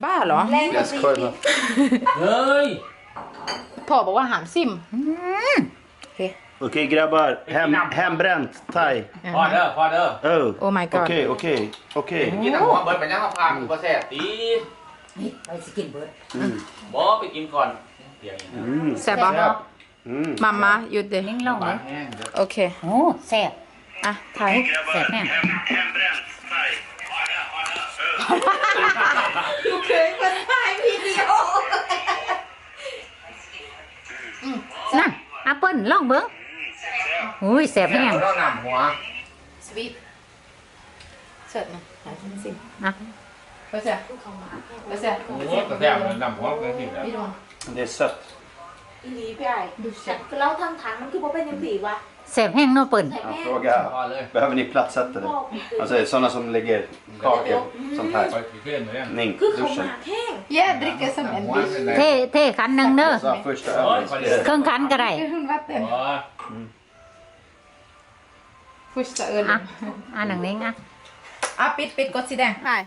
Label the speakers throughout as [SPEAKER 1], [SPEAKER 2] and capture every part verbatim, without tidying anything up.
[SPEAKER 1] บ้าเหรอ
[SPEAKER 2] Jag skojar.
[SPEAKER 3] เฮ้ย
[SPEAKER 1] พ่อบอกว่าหามซิมโอเค
[SPEAKER 2] Okej grabbar, Hem, hembränt thai.
[SPEAKER 3] พอเด้อพอเด้อ
[SPEAKER 2] Oh.
[SPEAKER 1] Oh my god.
[SPEAKER 2] Okej, okej, okej.
[SPEAKER 3] กินน้ำหัวเบิร์ดไปนั่งข้าวพามก็แซ่บตี
[SPEAKER 4] นี่ไปสกินเบิร์ด
[SPEAKER 2] Mm.
[SPEAKER 3] บอไปกินก่อนเดี๋ยวอย่างนี้
[SPEAKER 2] Mm.
[SPEAKER 1] แซ่บปะ
[SPEAKER 2] Mm.
[SPEAKER 1] มามาหยุดดิ
[SPEAKER 4] นิ่งลง
[SPEAKER 3] บ้า
[SPEAKER 4] เล
[SPEAKER 3] น
[SPEAKER 4] ย
[SPEAKER 3] แห้งเด้อ
[SPEAKER 1] โอเค
[SPEAKER 4] โอ้แซ่บ
[SPEAKER 1] อ่ะถ่าย
[SPEAKER 4] แซ่บแน่
[SPEAKER 2] Hembränt thai.
[SPEAKER 1] ดูเคยคนถ่ายวิดีโอ
[SPEAKER 4] นั่นแอปเปิ้ลลองเบิ้งอุ้ยแซ่บแน่
[SPEAKER 3] เราหนำหัว
[SPEAKER 1] สวีทเสิร์ฟมาหาซิม
[SPEAKER 4] นะ
[SPEAKER 1] ไปเสียไปเสีย
[SPEAKER 3] โอ้โหแต่แซ่บเลยหนำหัวกันสิแล้ว
[SPEAKER 1] พี่ดวง
[SPEAKER 2] Det är sött.
[SPEAKER 5] อีหลีพี่ไอ้ดูฉันเราทำถังมันคือบ่เป็นยังสีวะ
[SPEAKER 4] แซ่บแห้งเนาะเปิ้ล
[SPEAKER 5] ใส่
[SPEAKER 2] Han
[SPEAKER 5] แม่
[SPEAKER 2] frågar,
[SPEAKER 3] พอเลย
[SPEAKER 2] behöver ni platsättare? Alltså sådana som lägger kakor, sånt
[SPEAKER 3] ไป
[SPEAKER 2] här.
[SPEAKER 3] เพื่อนเลย
[SPEAKER 2] Ning,
[SPEAKER 5] คือเขาห
[SPEAKER 2] duschen.
[SPEAKER 5] มากแห้ง
[SPEAKER 1] แย่ดริกเกอร์สมัยดิช
[SPEAKER 4] เท่เท่ขันหนึ่งเด้อ
[SPEAKER 2] Så första
[SPEAKER 3] Oj,
[SPEAKER 2] övningen.
[SPEAKER 3] vad det
[SPEAKER 4] เครื่องขันก็ได้
[SPEAKER 1] คุณวัดเต็ม
[SPEAKER 3] อ๋อ
[SPEAKER 1] ฟุชตะเอิญ
[SPEAKER 4] อ่ะอ่ะหนังนิ้งอ่ะ
[SPEAKER 1] อ่ะปิดปิดกดสีแดงถ่าย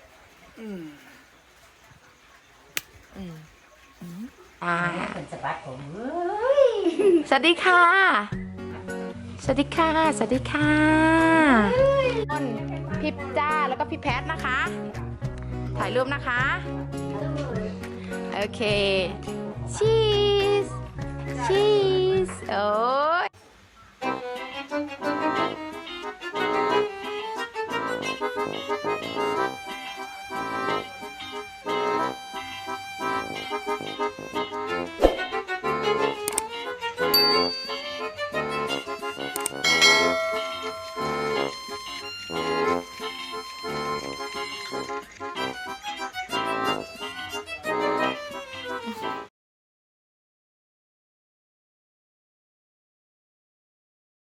[SPEAKER 1] อ่า
[SPEAKER 4] เป็นสบัดผมเอ้ย
[SPEAKER 1] สวัสดีค่ะ สวัสดีค่ะ สวัสดีค่ะคนพี่จ้าแล้วก็พี่แพทนะคะ ถ่ายรูปนะคะ โอเค ชีส ชีส โอ้ย